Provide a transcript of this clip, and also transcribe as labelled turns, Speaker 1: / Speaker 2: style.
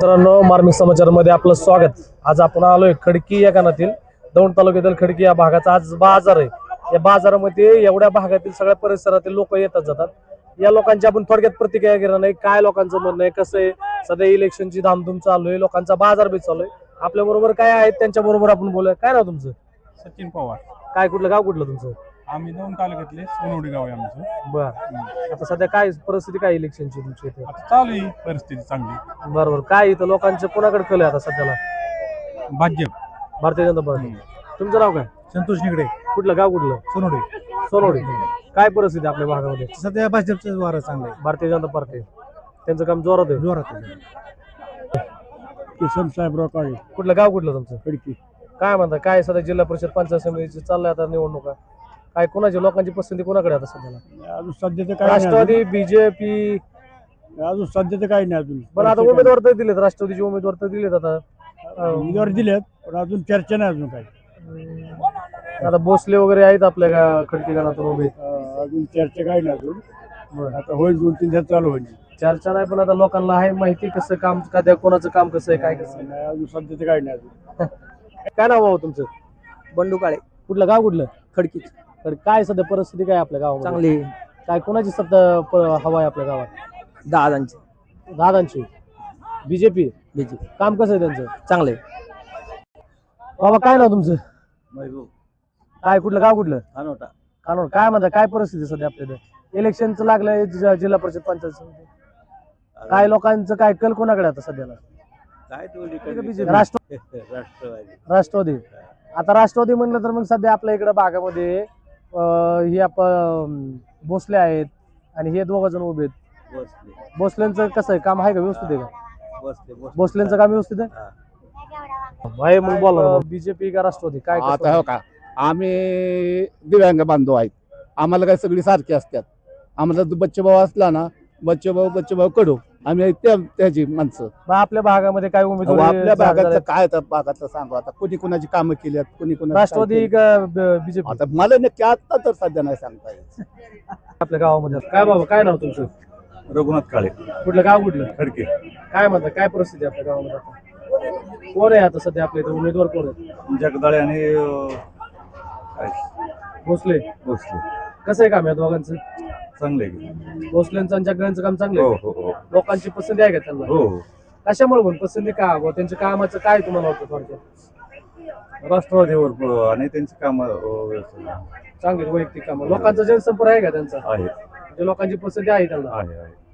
Speaker 1: मित्रांनो, मार्मिक समाचारमध्ये आपलं स्वागत। आज आपण आलोय खडकी या गावातील दौंड तालुक्यातील खडकी या भागाचा आज बाजार आहे। या बाजारामध्ये एवढ्या भागातील सगळ्या परिसरातील लोक येतात जातात। या लोकांची आपण थोडक्यात प्रतिक्रिया घेणार नाही, काय लोकांचं म्हणणं आहे, कसं आहे। सध्या इलेक्शनची धामधूम चालू आहे, लोकांचा बाजार बी चालू आहे। आपल्या बरोबर काय आहेत त्यांच्या बरोबर आपण बोलूया। काय नाव तुमचं?
Speaker 2: सचिन पवार।
Speaker 1: काय कुठलं गाव कुठलं तुमचं?
Speaker 2: आम्ही दौंड तालुक्यातले सोनवडी गाव आहे आमचं।
Speaker 1: बरं, आता सध्या काय परिस्थिती काय इलेक्शनची तुमची इथे?
Speaker 2: आता चालू आहे परिस्थिती चांगली।
Speaker 1: बरोबर, काय इथं लोकांचे कोणाकडे कल आहे आता सध्याला?
Speaker 2: भाजप,
Speaker 1: भारतीय जनता पार्टी। तुमचं नाव काय?
Speaker 2: संतोष निगडे,
Speaker 1: कुठलं गाव कुठलं?
Speaker 2: सोनवडी।
Speaker 1: सोनवडी। काय परिस्थिती आपल्या भागामध्ये?
Speaker 2: सध्या भाजपचं वारं चांगलं आहे।
Speaker 1: भारतीय जनता पार्टी त्यांचं काम जोरात आहे।
Speaker 2: जोरात किसन साहेबराव काळे,
Speaker 1: कुठलं गाव कुठलं तुमचं?
Speaker 2: खडकी।
Speaker 1: काय म्हणता, काय सध्या जिल्हा परिषद पंचायत समितीची चाललंय आता निवडणुका, काय कोणाची लोकांची पसंती कोणाकडे आता सध्याला?
Speaker 2: अजून सध्या तर काही
Speaker 1: राष्ट्रवादी, बीजेपी?
Speaker 2: अजून सध्या तर काही नाही अजून।
Speaker 1: पण आता उमेदवार तर दिलेत, राष्ट्रवादीचे उमेदवार तर दिलेत आता।
Speaker 2: उमेदवार दिलेत पण अजून चर्चा नाही अजून काही।
Speaker 1: आता भोसले वगैरे आहेत आपल्या खडकी गावातून उभे।
Speaker 2: अजून चर्चा काही नाही अजून। आता होईल 2-3 दिवस चालू होईल
Speaker 1: चर्चा नाही, पण आता लोकांना आहे माहिती कसं काम, का कोणाचं काम कसं आहे, काय कसं
Speaker 2: नाही। अजून सध्या तर काही नाही अजून।
Speaker 1: काय नाव भाऊ तुमचं?
Speaker 3: बंडू काळे,
Speaker 1: कुठलं गाव कुठलं?
Speaker 3: खडकी।
Speaker 1: तर काय सध्या परिस्थिती काय आपल्या गावामध्ये?
Speaker 3: चांगली
Speaker 1: काय कोणाची सत्ता हवा आहे आपल्या गावात?
Speaker 3: दादांची
Speaker 1: दादांची, बीजेपी।
Speaker 3: बीजेपी
Speaker 1: काम कसं आहे त्यांचं?
Speaker 3: चांगले।
Speaker 1: बाबा काय नाव तुमचं?
Speaker 3: महबूब
Speaker 1: काय कुठलं गाव कुठलं?
Speaker 3: अनोटा।
Speaker 1: कानोड। काय म्हणता, काय परिस्थिती सध्या आपल्या इथे? इलेक्शनचं लागलंय जिल्हा परिषद पंचायत समिती, काय लोकांचं काय कल कोणाकडे आता सध्याला?
Speaker 3: काय
Speaker 1: राष्ट्रवादी। आता राष्ट्रवादी म्हणलं तर मग सध्या आपल्या इकडे भागामध्ये हे आपण भोसले आहेत आणि हे 2 जण उभे आहेत। भोसलेंचं कसं आहे, काम आहे का व्यवस्थित आहे का? भोसलेंचं काम व्यवस्थित आहे भाई? मग बोला, बीजेपी का राष्ट्रवादी काय?
Speaker 4: आता हो का, आम्ही दिव्यांग बांधव आहेत, आम्हाला काय सगळी सारखी असतात। आम्हाला बच्चे भाऊ असला ना, बच्चे भाऊ कडू, आम्ही त्याची माणसं।
Speaker 1: आपल्या भागामध्ये काय उमेदवार?
Speaker 4: आपल्या भागातलं काय तर भागातलं सांगू आता, कुणी कुणाची कामं केली आहेत, कुणी कुणा
Speaker 1: राष्ट्रवादी का बीजेपी?
Speaker 4: आता मला नक्की आता तर सध्या नाही सांगता येत।
Speaker 1: आपल्या गावामध्ये काय बाबा, काय नाव तुमचं?
Speaker 2: रघुनाथ काळे,
Speaker 1: कुठलं गाव कुठलं?
Speaker 2: खडकी।
Speaker 1: काय म्हणता, काय परिस्थिती आपल्या गावामध्ये आता? कोण आहे आता सध्या आपल्या इथे उमेदवार, कोण आहे?
Speaker 2: जगदाळे आणि
Speaker 1: भोसले।
Speaker 2: भोसले
Speaker 1: कसं आहे काम या दोघांचं?
Speaker 2: चांगले।
Speaker 1: भोसलेंचं आणि जगदाळेंचं काम चांगलं आहे?
Speaker 2: हो।
Speaker 1: लोकांची पसंती आहे का त्यांना?
Speaker 2: हो।
Speaker 1: कशामुळे पण पसंती का? त्यांच्या कामाचं काय तुम्हाला वाटतं थोडक्यात?
Speaker 2: राष्ट्रवादीवर आणि त्यांची काम
Speaker 1: चांगली वैयक्तिक कामं, लोकांचा जनसंपर्क आहे का त्यांचा?
Speaker 2: आहे
Speaker 1: म्हणजे लोकांची पसंती आहे त्यांना?
Speaker 2: आहे